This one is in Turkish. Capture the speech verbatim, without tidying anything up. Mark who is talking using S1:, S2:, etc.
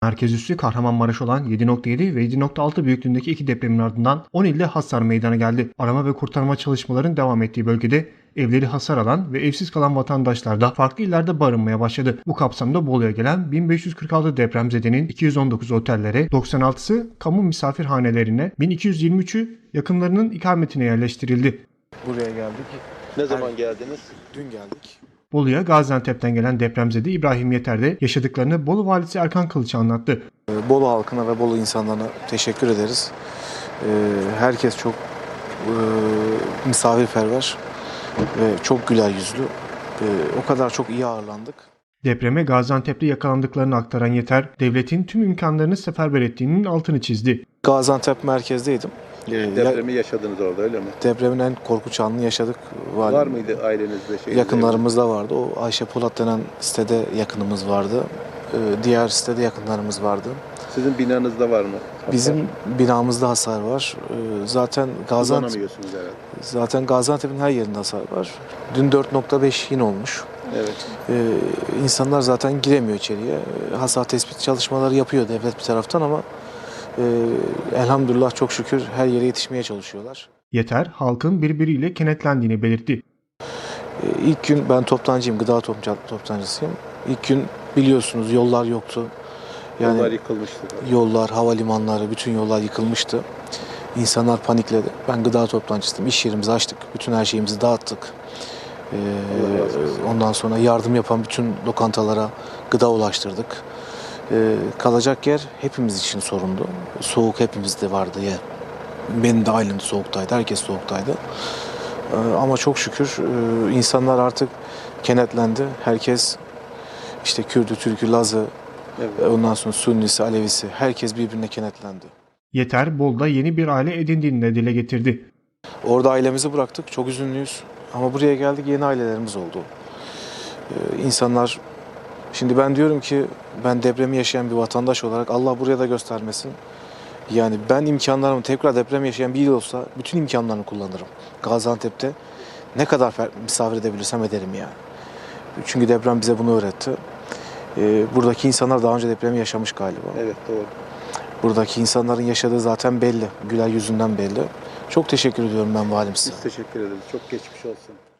S1: Merkez üssü Kahramanmaraş olan yedi nokta yedi ve yedi nokta altı büyüklüğündeki iki depremin ardından on ilde hasar meydana geldi. Arama ve kurtarma çalışmalarının devam ettiği bölgede evleri hasar alan ve evsiz kalan vatandaşlar da farklı illerde barınmaya başladı. Bu kapsamda Bolu'ya gelen bin beş yüz kırk altı depremzedenin iki yüz on dokuz otellere, doksan altısı kamu misafirhanelerine, bin iki yüz yirmi üçü yakınlarının ikametine yerleştirildi.
S2: Buraya geldik.
S3: Ne zaman geldiniz?
S2: Dün geldik.
S1: Bolu'ya Gaziantep'ten gelen depremzede İbrahim Yeter de yaşadıklarını Bolu Valisi Erkan Kılıç anlattı.
S2: Bolu halkına ve Bolu insanlarına teşekkür ederiz. Herkes çok misafirperver ve çok güler yüzlü. O kadar çok iyi ağırlandık.
S1: Depreme Gaziantep'te yakalandıklarını aktaran Yeter, devletin tüm imkanlarını seferber ettiğinin altını çizdi.
S2: Gaziantep merkezdeydim.
S3: Depremi yaşadınız orada, öyle mi?
S2: Depremin en korkunç anını yaşadık.
S3: Var, var mıydı ailenizde? Şey,
S2: yakınlarımızda vardı. O Ayşe Polat denen sitede yakınımız vardı. Diğer sitede yakınlarımız vardı.
S3: Sizin binanızda var mı? Hasar?
S2: Bizim binamızda hasar var. Zaten Gaziantep, zaten Gaziantep'in her yerinde hasar var. Dün dört nokta beş yine olmuş.
S3: Evet.
S2: Ee, insanlar zaten giremiyor içeriye. Hasar tespit çalışmaları yapıyor devlet bir taraftan ama e, elhamdülillah çok şükür her yere yetişmeye çalışıyorlar.
S1: Yeter, halkın birbiriyle kenetlendiğini belirtti.
S2: Ee, ilk gün ben toptancıyım, gıda toptancısıyım. İlk gün biliyorsunuz yollar yoktu.
S3: Yani yollar yıkılmıştı.
S2: Yollar, havalimanları, bütün yollar yıkılmıştı. İnsanlar panikledi. Ben gıda toptancısıyım. İş yerimizi açtık. Bütün her şeyimizi dağıttık. Ee, ondan sonra yardım yapan bütün lokantalara gıda ulaştırdık. Ee, kalacak yer hepimiz için sorundu. Soğuk hepimizde vardı ya. Benim de ailem soğuktaydı. Herkes soğuktaydı. Ee, ama çok şükür e, insanlar artık kenetlendi. Herkes işte Kürdü, Türkü, Lazı, evet. Ondan sonra Sünnisi, Alevisi, herkes birbirine kenetlendi.
S1: Yeter, Bolu'da yeni bir aile edindiğini de dile getirdi.
S2: Orada ailemizi bıraktık, çok üzünlüyüz. Ama buraya geldik, yeni ailelerimiz oldu. Ee, insanlar, şimdi ben diyorum ki, ben depremi yaşayan bir vatandaş olarak Allah buraya da göstermesin. Yani ben imkanlarımı, tekrar deprem yaşayan bir il olsa, bütün imkanlarını kullanırım. Gaziantep'te ne kadar misafir edebilirsem ederim yani. Çünkü deprem bize bunu öğretti. Ee, buradaki insanlar daha önce depremi yaşamış galiba.
S3: Evet, doğru.
S2: Buradaki insanların yaşadığı zaten belli. Güler yüzünden belli. Çok teşekkür ediyorum ben valim size.
S3: Biz teşekkür ederiz. Çok geçmiş olsun.